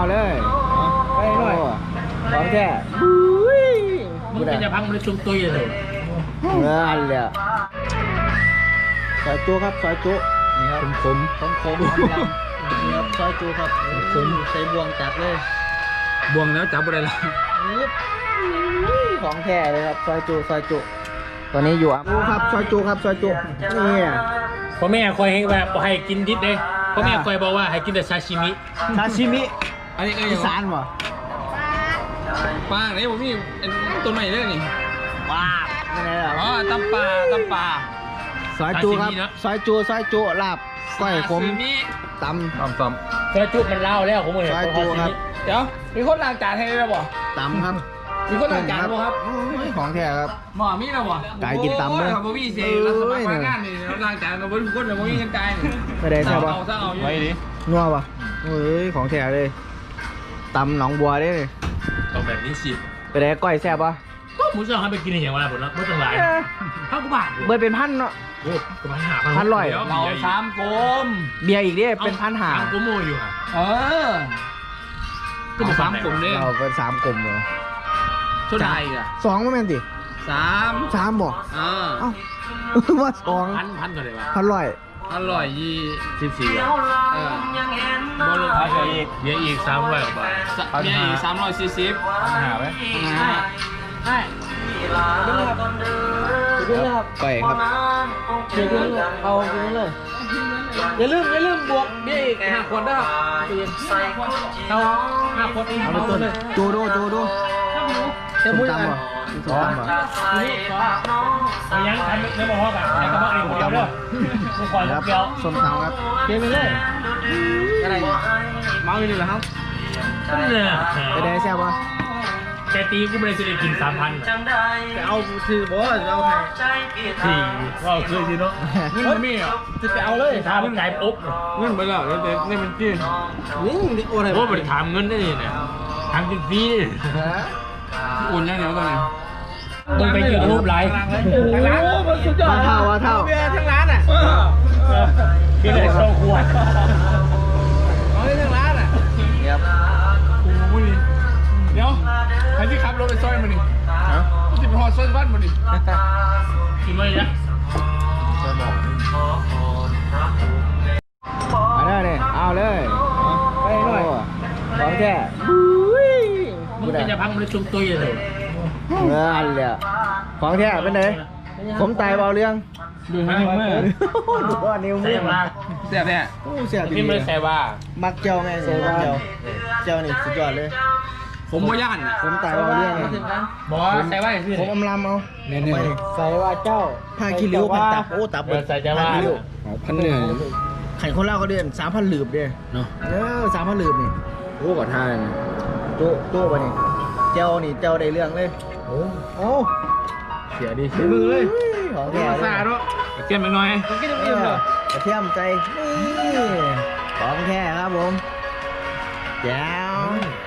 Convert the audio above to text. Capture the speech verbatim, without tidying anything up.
เลยไปหน่อยของแท้มึงจะพังมันจุ่มตุยเลยเงินเลยซอยจุครับซอยจุนี่ครับขมขมขมขมนี่ครับซอยจุครับขมใส่บวงจับเลยบวงแล้วจับอะไรล่ะของแท้เลยครับซอยจุซอยจุตอนนี้อยู่อ่ะดูครับซอยจุครับซอยจุนี่พ่อแม่คอยให้แบบให้กินดิบเลยพ่อแม่คอยบอกว่าให้กินแต่ซาชิมิซาชิมิอันนี้อีสานวะปลาไหนผมมีตัวใหม่เลยนี่ปลาไม่ไงล่ะอ๋อตำปลาตำปลาซอยจุครับซอยจุซอยจุลาบก้อยขมตำตำตำซอยจุมันเล่าแล้วผมเลยซอยจุครับเดี๋ยวมีคนล้างจานให้ได้บ่ตำครับมีคนล้างจานบ่ครับของแท้ครับหมอมีแล้วบ่ไก่กินตำเลยบ่มีเสียแล้วสมัครงานนี่ล้างจานเราบ่ทุกคนเราบ่มีเงินจ่ายนี่ไม่ได้ใช่ป่ะไว้ดินัวป่ะเฮ้ยของแท้เลยตำหนองบัวได้เลยต้องแบบนี้สิไปได้ก้อยแซ่บป่ะก็หมูสับให้ไปกินอย่างไรผมแล้วไม่ต้องหลายข้าวกุบาทเบอร์เป็นพันเนาะโอ้กุบาทหาพันร้อยเราสามกลมเบียร์อีกดิเป็นพันหาสามกลมโมอยู่อ่ะเออก็บอกสามกลมเนี่ยเราเป็นสามกลมเลยเท่าไหร่อ่ะสองก็แม่นสิสามสามบอกเออเอ้าว่าสองพันพันกันเลยวะพันร้อยพันร้อยยี่สิบสี่เออบอลลูนเบียร์อีกเบียร์อีกสามร้อยบาทเบียร์อีกสามร้อยสี่สิบหาไหมหาใช่ไปครับเดี๋ยวเอาไปเลยอย่าลืมอย่าลืมบวกเบี้ยอีกห้าคนได้เอาห้าคนเอาไปต้นดูดูดูดูเต็มมือกันสองบ่ยังทำเนื้อหมูแบบไอ้กระเพาะเองคนเดียวเด้อผู้คอยรับเกี่ยวส้มตำครับเกี่ยวไปเลยอะไรเมาอยู่นี่เหรอครับไปได้แซ่บปะแต่ตีกูไม่ได้จะได้กินสามพันแต่เอาคือบอสเอาใครที่ว่าคือสิเนาะเงินมีอ่ะจะไปเอาเลยถามไก่ปุ๊บเงินไปแล้วแต่นี่มันจีนนี่โอ้ยโอ้ยไปถามเงินได้เนี่ยถามจริงฟรีโอนยังเดียวกันเลยมึงไปยูทูบไลฟ์ทั้งร้านโอ้มันสุดยอดเท่าเท่าเบียร์ทั้งร้านอ่ะเบียร์เลยโซ่ขวดเอาเลยทั้งร้านอ่ะครับโอ้ยเดี๋ยวใครที่ขับรถไปซอยมันนี่ฮะที่ไปหอดซอยบ้านมันนี่กินมาเลยนะซอยบอกเอาเลยเนี่ยเอาเลยไปหน่อยของแท้มึงจะพังมันจุ่มตุยเลยเงินเลยของแท้เป็นไงผมตายเบาเรื่องดูให้เมื่อดูว่านิ้วมือมากเสียบเนี่ยเสียบนี่มันแซ่ว่ามักเจ้าไงเสียบเจ้าเจ้านี่สุดยอดเลยผมว่าย่านผมตายเบาเรื่องบอกใส่ว่าคือผมอำลำเอาเนี่ยใส่ว่าเจ้าผ้าขี้ริ้วพันตับโอ้ตับใส่จะว่าพันเหนื่อยไข่คนเล่าเขาเดือนสามพันหลืบเด้เนาะเออสามพันหลืบนี่โอ้ก่อนท่าเลยโจ้โจ้ปะนี่เจ้านี่เจ้าได้เรื่องเลยโอ้โอ้เสียดีเสียมือเลยของแท้ซาด้วยเทียมไปหน่อยกินอิ่มเลยเทียมใจนี่ของแท้ครับผมแจ๋ว